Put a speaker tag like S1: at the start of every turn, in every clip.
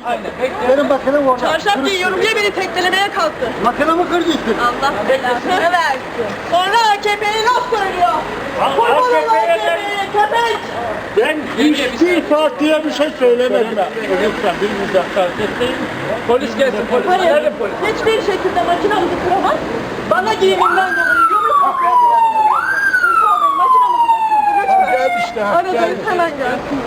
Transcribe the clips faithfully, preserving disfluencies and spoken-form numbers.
S1: Aynen. Bekle.
S2: Benim makinam orada.
S3: Çarşaf giyiyorum diye beni teklemeye kalktı.
S2: Makinamı kıracaksın.
S3: Allah belasını versin. Sonra A K P'ye laf söylüyor. Kurbanım A K P'ye köpek.
S4: Ben hiçbir partiye bir şey söylemedim. Lütfen bir müdahale etmeyin.
S1: Polis gelsin polis.
S3: Hayır,
S1: Nerede polis?
S3: hiçbir şekilde makinamızı kıramaz. Bana giyimimden dolayı yumruk atıyor. Makinamızı da kırdı lütfen.
S4: Geldi işte.
S3: Aradayız hemen gelsin.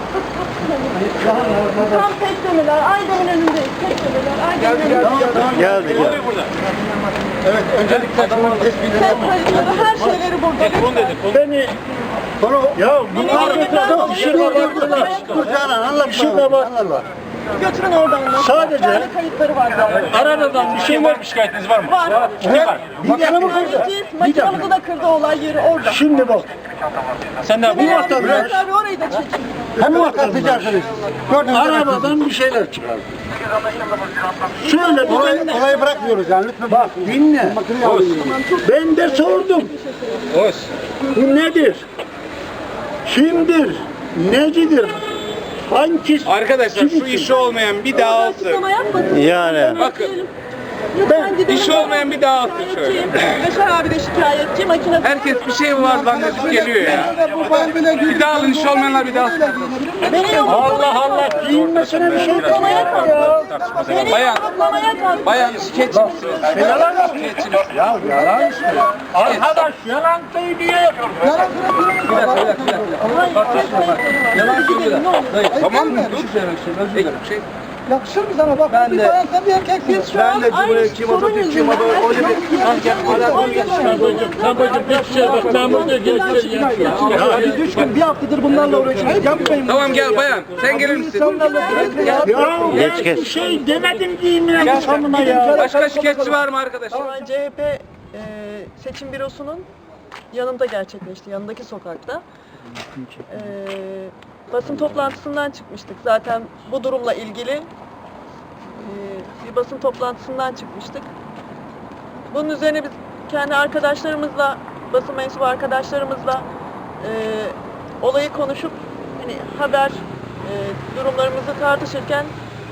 S3: Tam teklemeler, Aydemir önündeyiz. Teklemeler, Aydemir önündeyiz.
S2: Geldi.
S1: Ne oluyor burada?
S2: Evet, öncelikle adamın tespitini
S3: Ses kayıtları, her şeyleri burada.
S1: Telefon dedi.
S4: Beni
S2: Konu
S4: ya
S3: Beni
S4: bunlar
S3: giyimimden dolayı
S4: işine
S3: yumruk
S4: baktılar.
S3: atıyor.
S2: Dur Canan, anlat
S4: İşine
S2: bana.
S4: bak.
S2: Anlat.
S3: Götürün oradan.
S4: Sadece-
S3: Yani kayıtları var zaten.
S4: Aradan bir şey
S1: Kim
S4: var.
S1: var? Bir şikayetiniz var mı?
S3: Var.
S1: Ne var?
S2: Makinamı kırdı.
S3: Anneciğiz, makinamızı da kırdı olay yeri orada.
S4: Şimdi bak.
S1: Sen ne yapıyorsun?
S3: Yani
S4: vatandaş-
S3: Bülent abi orayı da çekin.
S2: Hem atacaksınız. Gördünüz mü?
S4: Arabadan bir şeyler çıkardı. Şöyle bir
S2: Olayı,
S4: ben,
S2: olayı bırakmıyoruz yani lütfen.
S4: bak dinle.
S2: Makineyi alayım.
S4: Ben de sordum.
S1: Hoş.
S4: Bu nedir? Kimdir? Necidir? Hangisi?
S5: Arkadaşlar şu işi olmayan bir daha alsın.
S3: Açıklama yapmadın.
S4: Yani.
S5: Bakın.
S3: Lütfen gidelim.
S5: İşi olmayan bir daha alsın şöyle.
S3: Yaşar abi de şikayetçi. Makine...
S5: Herkes bir şey var zannedip geliyor ya. Bir daha alın, işi olmayanlar bir daha alsın.
S3: Beni
S4: Allah Allah giyinmesine bir şey
S3: yumruklamaya kalktı. Beni
S5: Bayan.
S3: yumruklamaya kalktı.
S5: Bayan şikayetçi misiniz?
S4: Yalan mı?
S5: Şikayetçi misiniz?
S4: Ya yalan işte. Arkadaş yalan söylüyor.
S3: Yalan söylüyor.
S5: Tamam mı? Dur. Peki, şey.
S2: Yakışır mı sana bak? Ben de. Sen bir erkeksin.
S3: Biz şu an aynı sorun yüzünden.
S4: Babacım bir şey bak ben burada geçeceğim. Ya
S2: Biz üç gün, bir haftadır bunlarla uğraşıyoruz. Yapmayın.
S5: Tamam gel bayan. Sen gelir misin?
S4: ya ben bir şey demedim giyinmeye sonuna ya.
S5: Başka şikayetçi var mı arkadaşlar?
S3: Olay C H P e, seçim bürosunun yanında gerçekleşti, yanındaki sokakta. E, basın toplantısından çıkmıştık. Zaten bu durumla ilgili e, bir basın toplantısından çıkmıştık. Bunun üzerine biz kendi arkadaşlarımızla, basın mensubu arkadaşlarımızla e, olayı konuşup hani haber e, durumlarımızı tartışırken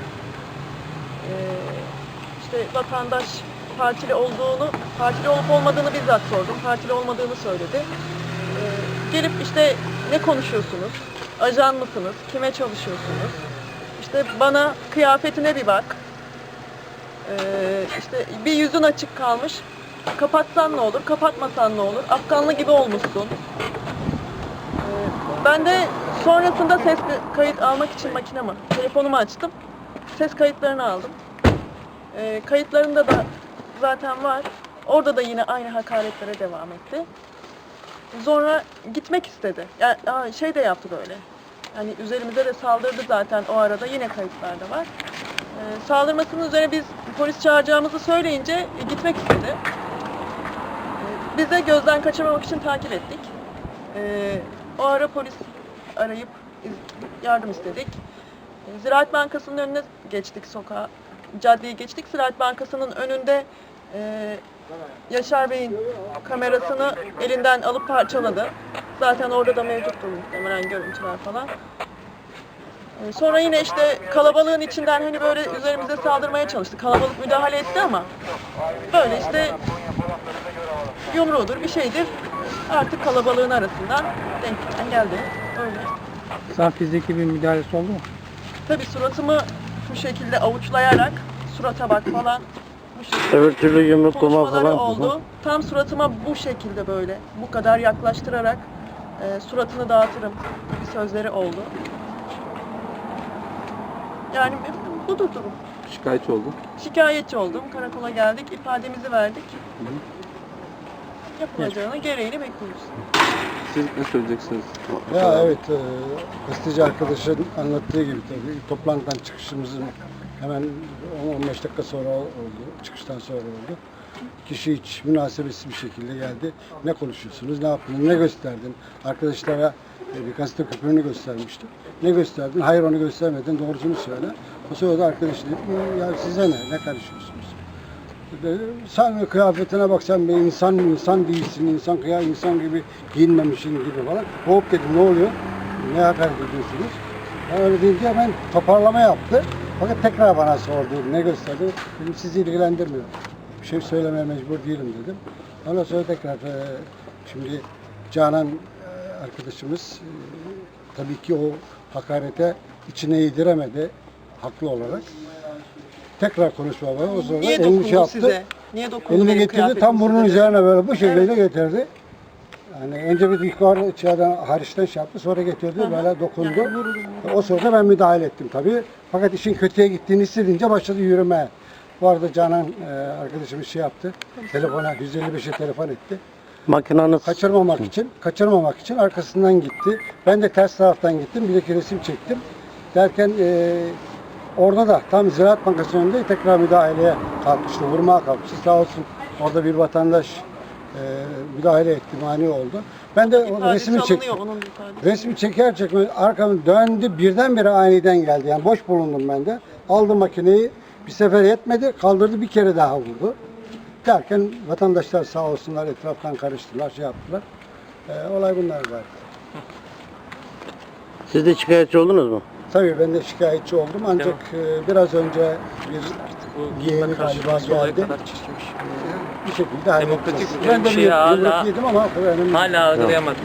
S3: e, işte vatandaş partili olduğunu, partili olup olmadığını bizzat sordum. Partili olmadığını söyledi. Ee, gelip işte ne konuşuyorsunuz? Ajan mısınız? Kime çalışıyorsunuz? İşte bana kıyafetine bir bak. Ee, işte bir yüzün açık kalmış. Kapatsan ne olur? Kapatmasan ne olur? Afganlı gibi olmuşsun. Ee, ben de sonrasında ses kayıt almak için makinemi, telefonumu açtım. Ses kayıtlarını aldım. E, kayıtlarında da zaten var. Orada da yine aynı hakaretlere devam etti. Sonra gitmek istedi. Yani aa, şey de yaptı böyle. Yani üzerimize de saldırdı zaten o arada. Yine kayıtlarda var. E, saldırmasının üzerine biz polis çağıracağımızı söyleyince e, gitmek istedi. E, biz de gözden kaçırmamak için takip ettik. E, o ara polis arayıp yardım istedik. E, Ziraat Bankası'nın önüne geçtik sokağa. Caddeyi geçtik. Ziraat Bankası'nın önünde e, Yaşar Bey'in kamerasını elinden alıp parçaladı. Zaten orada da mevcuttur muhtemelen görüntüler falan. E, sonra yine işte kalabalığın içinden hani böyle üzerimize saldırmaya çalıştı. Kalabalık müdahale etti ama böyle işte yumruğudur bir şeydir. Artık kalabalığın arasından denk gelen geldi. Öyle.
S6: Sen fiziki bir müdahalesi oldu mu?
S3: Tabii suratımı bu şekilde avuçlayarak surata bak falan bu şekilde
S4: Öbür türlü yumruklama
S3: konuşmaları
S4: falan.
S3: oldu. Tam suratıma bu şekilde böyle bu kadar yaklaştırarak e, suratını dağıtırım gibi sözleri oldu. Yani budur durum.
S5: Şikayetçi oldum.
S3: Şikayetçi oldum. Karakola geldik. ifademizi verdik. Yapılacağını gereğini bekliyoruz.
S5: Siz ne söyleyeceksiniz?
S2: Ya evet, e, gazeteci arkadaşın anlattığı gibi tabii toplantıdan çıkışımızın hemen on on beş dakika sonra oldu, çıkıştan sonra oldu. Kişi hiç münasebetsiz bir şekilde geldi. Ne konuşuyorsunuz, ne yaptınız, ne gösterdin? Arkadaşlara e, bir gazete küpürünü göstermişti. Ne gösterdin? Hayır onu göstermedin, doğrusunu söyle. O sırada arkadaş dedi, ya size ne, ne karışıyorsunuz? Sen kıyafetine bak, sen bir insan insan değilsin, insan kıya insan gibi giyinmemişsin gibi falan. Hop dedim, ne oluyor? Ne hakaret ediyorsunuz? Ben öyle deyince ben toparlama yaptı. Fakat tekrar bana sordu, ne gösterdi? Dedim sizi ilgilendirmiyor. Bir şey söylemeye mecbur değilim dedim. Ondan sonra tekrar e, şimdi Canan e, arkadaşımız e, tabii ki o hakarete içine yediremedi haklı olarak. Tekrar konuşma var. O sonra
S3: Niye
S2: elini
S3: dokundu
S2: şey yaptı.
S3: size? Niye dokundu
S2: Elini
S3: benim
S2: getirdi tam
S3: kıyafetimize
S2: burnunun
S3: dedi.
S2: üzerine böyle bu şekilde getirdi. Yani önce bir yukarı içeriden hariçten şey yaptı, sonra getirdi böyle dokundu. O sırada ben müdahale ettim tabii. Fakat işin kötüye gittiğini hissedince başladı yürümeye. Bu arada Canan e, arkadaşımız şey yaptı. Telefona yüz elli beşe telefon etti.
S7: Makinanız
S2: Kaçırmamak için, kaçırmamak için arkasından gitti. Ben de ters taraftan gittim. Bir iki resim çektim. Derken e, orada da tam Ziraat Bankası'nın önünde tekrar müdahaleye kalkmıştı. Vurmaya kalkmıştı. Sağ olsun orada bir vatandaş e, müdahale etti, mani oldu. Ben de o
S3: İfadesi
S2: resmi
S3: alınıyor,
S2: çektim.
S3: onun ifadesi.
S2: Resmi çeker çekmez arkamı döndü. Birdenbire aniden geldi. Yani boş bulundum ben de. Aldı makineyi. Bir sefer yetmedi. Kaldırdı bir kere daha vurdu. Derken vatandaşlar sağ olsunlar etraftan karıştılar, şey yaptılar. Ee, olay bunlar var.
S7: siz de şikayetçi oldunuz mu?
S2: Tabii ben de şikayetçi oldum ancak e, biraz önce bir yeğeni galiba geldi. Bir şekilde halledeceğiz.
S1: Demokratik
S2: Ben de
S1: bir
S2: bir
S1: şey hala-
S2: yumruk yedim ama önemli.
S1: Hala algılayamadım.